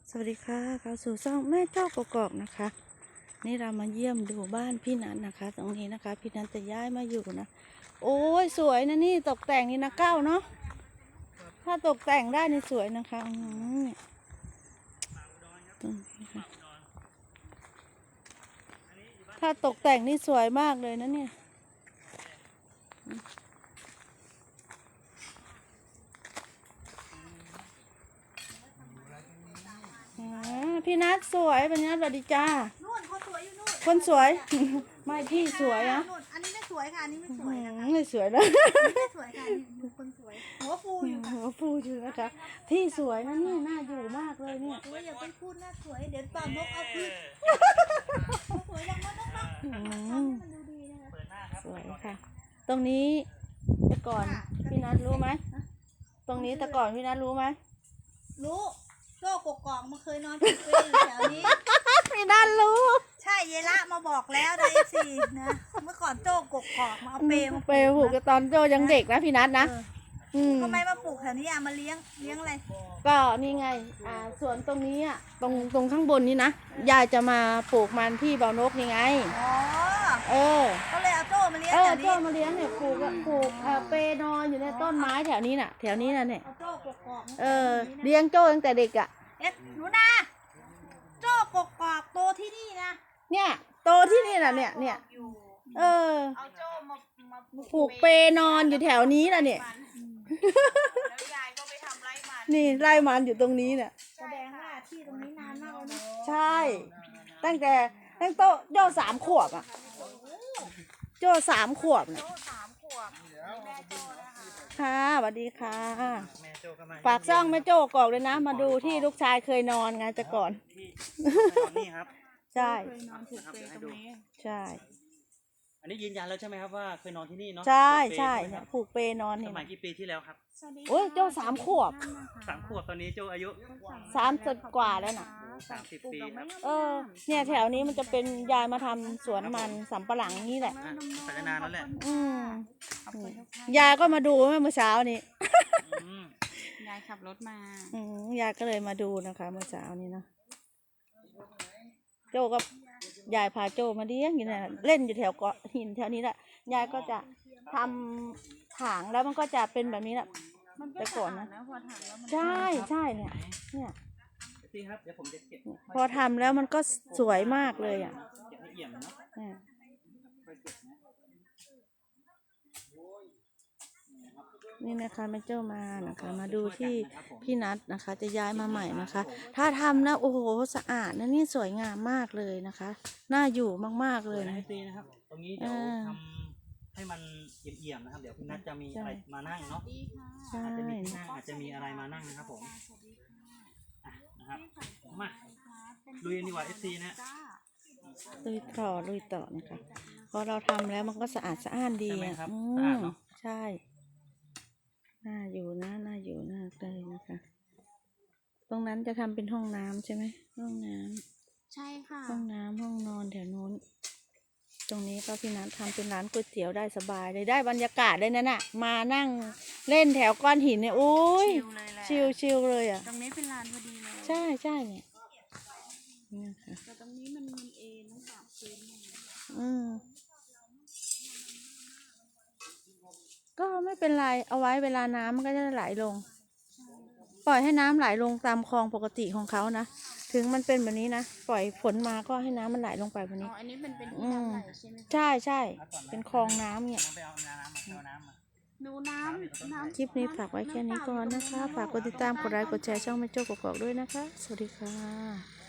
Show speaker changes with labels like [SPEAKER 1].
[SPEAKER 1] สวัสดีค่ะเข้าสู่ช่องแม่เจ้ากกอกนะคะ นี่เรามาเยี่ยมดูบ้านพี่นันนะคะ ตรงนี้นะคะ พี่นันจะย้ายมาอยู่นะ โอ้ยสวยนะนี่ตกแต่งนี่นะก้าวเนาะถ้าตกแต่งได้นี่สวยนะคะตรงนี้ค่ะถ้าตกแต่งนี่สวยมากเลยนะเนี่ยพี่นัทสวยพี่นัทสวัสดีจ้า
[SPEAKER 2] นู่นคนสวยอยู่นู่น
[SPEAKER 1] คนสวย ไม่พี่สวยอะ
[SPEAKER 2] นู่นอันนี้ไม่สวยค่ะอันนี้ไม่สวยนะคะ
[SPEAKER 1] ไม่สวยนะ
[SPEAKER 2] ไม่สวยค่ะดูคนสวยหัวฟูอยู่ค่ะ
[SPEAKER 1] หัวฟูอยู่นะคะที่สวยนะนี่น่าอยู่มากเลยเนี่ย
[SPEAKER 2] โอ้ยอย่าไปพูดนะสวยเดี๋ยวป่านกเอาคืนสวยอย่างนั้นนะคะมันดูดีนะคะ
[SPEAKER 1] สวยค่ะตรงนี้แต่ก่อนพี่นัทรู้ไหมตรงนี้แต่ก่อนพี่นัทรู้ไหม
[SPEAKER 2] รู้โจ้กกอกมาเคยนอนอยู่แถวนี้
[SPEAKER 1] พี่นัทรู้
[SPEAKER 2] ใช่เยละมาบอกแล้วนะFCนะเมื่อก่อนโจ้กกอกมาเอาเปมา
[SPEAKER 1] ผูกกับตอนโจยังเด็กนะพี่นัทนะ
[SPEAKER 2] ทำไมมาปลูกแถวนี้อ่ะมาเลี้ยงอะไร
[SPEAKER 1] ก็นี่ไงสวนตรงนี้อ่ะตรงข้างบนนี้นะยายจะมาปลูกมันที่บ่อนกนี่ไง
[SPEAKER 2] อ๋อก็เลยเอาโจ้มาเลี้ยงแถวนี้
[SPEAKER 1] โจ้มาเลี้ยงเนี่ยปลูกเปนอนอยู่ในต้นไม้แถวนี้น่ะแถวนี้น่ะเนี่ย
[SPEAKER 2] เอาโจ้กกอก
[SPEAKER 1] เลี้ยงโจ้ตั้งแต่เด็กอ่ะ
[SPEAKER 2] หนูนาโจ้กกอกโตที่นี่นะ
[SPEAKER 1] เนี่ยโตที่นี่น่ะเนี่ย
[SPEAKER 2] เอาโจ้มา
[SPEAKER 1] ปลูกเปนอนอยู่แถวนี้น่ะเนี่ย
[SPEAKER 2] แล้วยายก็ไปทำไร่มัน
[SPEAKER 1] นี่ไร่มันอยู่ตรงนี้เนี่ย
[SPEAKER 2] แสดงว่าที่ตรงนี้นานมากแล้วนะ
[SPEAKER 1] ใช่ตั้งโจ้3 ขวบอ่ะโจ้3 ขวบเนี่ย
[SPEAKER 2] แม่โจ้นะคะ
[SPEAKER 1] ค่ะสวัสดีค่ะฝากซ่องแม่โจ้กอกเลยนะมาดูที่ลูกชายเคยนอนไงแต่ก่อน
[SPEAKER 3] นี่ครับ
[SPEAKER 1] ใช่
[SPEAKER 2] เคยนอนถูกเปรย์ตรงนี้
[SPEAKER 1] ใช่
[SPEAKER 3] อันนี้ยืนยันแล้วใช่ไหมครับว่าเคยนอนที่นี่เนาะ
[SPEAKER 1] ใช่เนี่ยผูกเปนอนนี่
[SPEAKER 3] สมัยกี่ปีที่แล้วครับ
[SPEAKER 1] โอ้ยโจ้3 ขวบ
[SPEAKER 3] 3 ขวบตอนนี้โจอายุ
[SPEAKER 1] 30 กว่าแล้วน่ะ
[SPEAKER 3] 30 ปีครับ
[SPEAKER 1] เนี่ยแถวนี้มันจะเป็นยายมาทำสวนมันสำปะหลังนี่แหละ
[SPEAKER 3] สัญญานานแล้วแหละ
[SPEAKER 1] ยายก็มาดูเมื่อเช้านี้
[SPEAKER 2] ยายขับรถมาย
[SPEAKER 1] ายก็เลยมาดูนะคะเมื่อเช้านี้นะโจ้ก็ยายพาโจ้มาเลี้ยงอยู่เนี่ยเล่นอยู่แถวเกาะหินแถวนี้แหละยายก็จะทำถางแล้วมันก็จะเป็นแบบนี้แหละแต่ก่อนนะใช่เนี่ย
[SPEAKER 3] ครับเดี๋ยวผมจะเก็บ
[SPEAKER 1] พอทำแล้วมันก็สวยมากเลยอ่ะนี่นะคะแม่เจ้ามานะคะมาดูที่พี่นัทนะคะจะย้ายมาใหม่นะคะถ้าทำนะโอ้โหสะอาดนะนี่สวยงามมากเลยนะคะน่าอยู่มากๆเลย
[SPEAKER 3] นะครับตรงนี้เดี๋ยวทำให้มันเอี่ยมๆนะครับเดี๋ยวพี่นัทจะมีอะไรมานั่งเนาะอาจจะมีที่นั่งอาจจะมีอะไรมานั่งนะครับผมนะครับมาลุยดีกว่า FC นะ
[SPEAKER 1] ลุยต่อนะคะพอเราทำแล้วมันก็สะอาดสะอ้านดีอ่ะใช่น่าอยู่นะเลยนะคะตรงนั้นจะทำเป็นห้องน้ำใช่ไหมห้องน้
[SPEAKER 2] ำใช่ค่ะ
[SPEAKER 1] ห้องน้ำห้องนอนแถวโน้นตรงนี้ก็พี่นัททำเป็นร้านก๋วยเตี๋ยวได้สบายเลยได้บรรยากาศเลยนั่นน่ะมานั่งเล่นแถวก้อนหินเนี่ยโอ้ยชิลเลยอ่ะ
[SPEAKER 2] ตรงนี้เป็นลานพอดีเลย
[SPEAKER 1] ใช่เนี่ย
[SPEAKER 2] แต่ตรงนี้มันเองต้องปรับพื้น
[SPEAKER 1] ก็ไม่เป็นไรเอาไว้เวลาน้ำมันก็จะไหลลงปล่อยให้น้ำไหลลงตามคลองปกติของเขานะถึงมันเป็นแบบนี้นะปล่อยฝนมาก็ให้น้ำมันไหลลงไปแบบนี้
[SPEAKER 2] อันนี้เป็นที่น้ำไหลใช่ไหม
[SPEAKER 1] ใช่เป็นคลองน้ำเนี่ย
[SPEAKER 2] ดูน้ำ
[SPEAKER 1] คลิปนี้ฝากไว้แค่นี้ก่อนนะคะฝากกดติดตามกดไลค์กดแชร์ช่องแม่โจ้กกอกด้วยนะคะสวัสดีค่ะ